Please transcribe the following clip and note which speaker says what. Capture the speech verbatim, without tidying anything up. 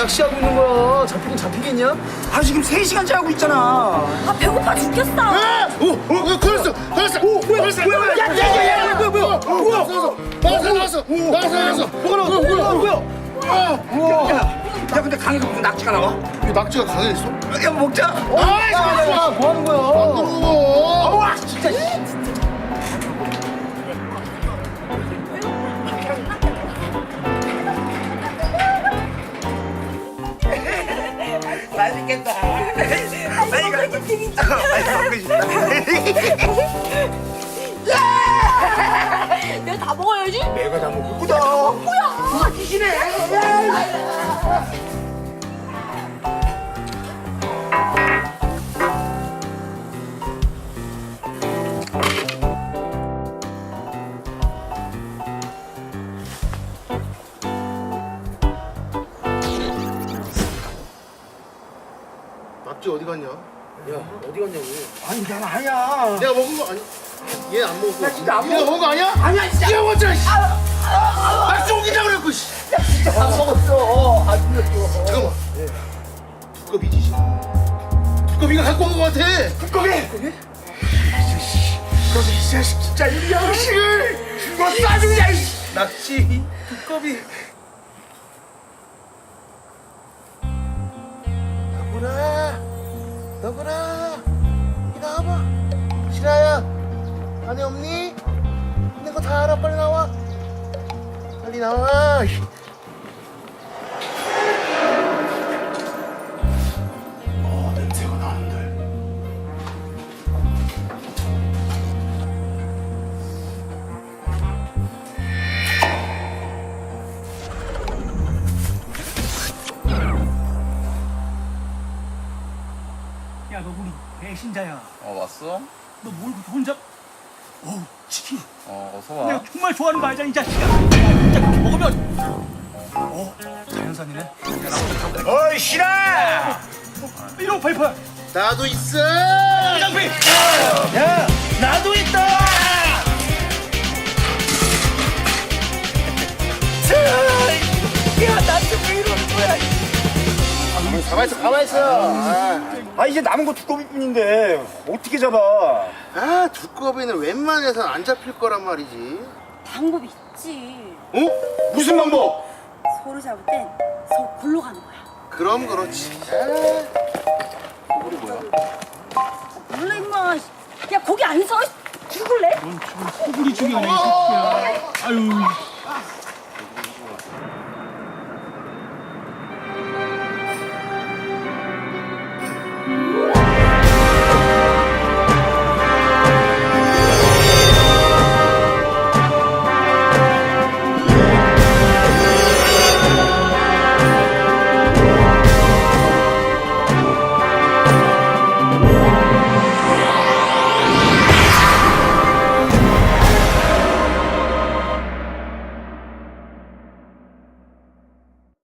Speaker 1: 낚시하고 있는 거야. 잡히긴 잡히겠냐?
Speaker 2: 아 지금 세 시간째 하고 있잖아.
Speaker 3: 아 배고파 죽겠어.
Speaker 4: 오! 오! 걸렸어! 걸렸어! 오! 걸렸어!
Speaker 2: 뭐야 뭐야 야야야야 뭐야 뭐야
Speaker 4: 뭐야? 나왔어! 나왔어! 나왔어! 나왔어!
Speaker 2: 뭐가 나와 뭐야 뭐야
Speaker 4: 우와!
Speaker 2: 야, 야 근데 강에서 무슨 낙지가 나와?
Speaker 4: 이 낙지가 강에 있어?
Speaker 2: 야 먹자.
Speaker 4: 아이!
Speaker 1: 야, 뭐 하는 거야?
Speaker 4: 어!
Speaker 2: 와 진짜. 맛있겠다. 빨리 가. 빨리 먹고 싶다.
Speaker 3: 내가 다 먹어야지.
Speaker 2: 내가 다 먹고다.
Speaker 3: 뭐야?
Speaker 2: 귀신해.
Speaker 4: 낙지 어디 갔냐?
Speaker 1: 야, 어디 갔냐고.
Speaker 2: 아니 난 아니야.
Speaker 4: 내가 먹은 거 아니? 얘 안 먹었고.
Speaker 2: 나 진짜 안
Speaker 4: 네가
Speaker 2: 먹었어.
Speaker 4: 먹은 거 아니야?
Speaker 2: 아니야 진짜.
Speaker 4: 네가 먹었잖아. 씨. 낙지 오기자 그랬고. 씨.
Speaker 2: 안 먹었어. 안 먹었어.
Speaker 4: 잠깐만. 두꺼비지. 씨. 두꺼비가 갖고 온 거 같아.
Speaker 2: 두꺼비. 두꺼비? 이 자식 진짜 이 양식을 죽었어 아주 그냥.
Speaker 1: 낚시, 두꺼비.
Speaker 4: 너구나. 너구나. 이 나와봐. 실아야. 안에 없니? 있는 거 다 알아. 빨리 나와. 빨리 나와.
Speaker 2: 어 냄새가 나는데.
Speaker 5: 야, 너 우리 배신자야.
Speaker 6: 어 왔어?
Speaker 5: 너 뭘 혼자? 어우, 치킨.
Speaker 6: 어 어서 와.
Speaker 5: 내가 정말 좋아하는 거 알잖아, 이 자식아. 야, 진짜 그렇게 먹으면. 어, 자연산이네.
Speaker 2: 어이 싫어.
Speaker 5: 이런 팔팔.
Speaker 4: 나도 있어.
Speaker 5: 짱배.
Speaker 2: 야 나도 있다. 야 나한테 왜 이러는 거야?
Speaker 4: 가만 있어. 가만 있어. 아,
Speaker 2: 아 이제 남은 거 두꺼비뿐인데 어떻게 잡아?
Speaker 4: 아 두꺼비는 웬만해서 안 잡힐 거란 말이지.
Speaker 3: 방법이 있지.
Speaker 4: 어? 무슨 방법?
Speaker 3: 소를 잡을 땐 서 굴러가는 거야.
Speaker 4: 그럼 그렇지.
Speaker 6: 우리 뭐야?
Speaker 3: 몰라 임마. 야 거기 안 서. 죽을래?
Speaker 5: 넌 지금 소굴이 중요하네, 이 새끼야. 아유.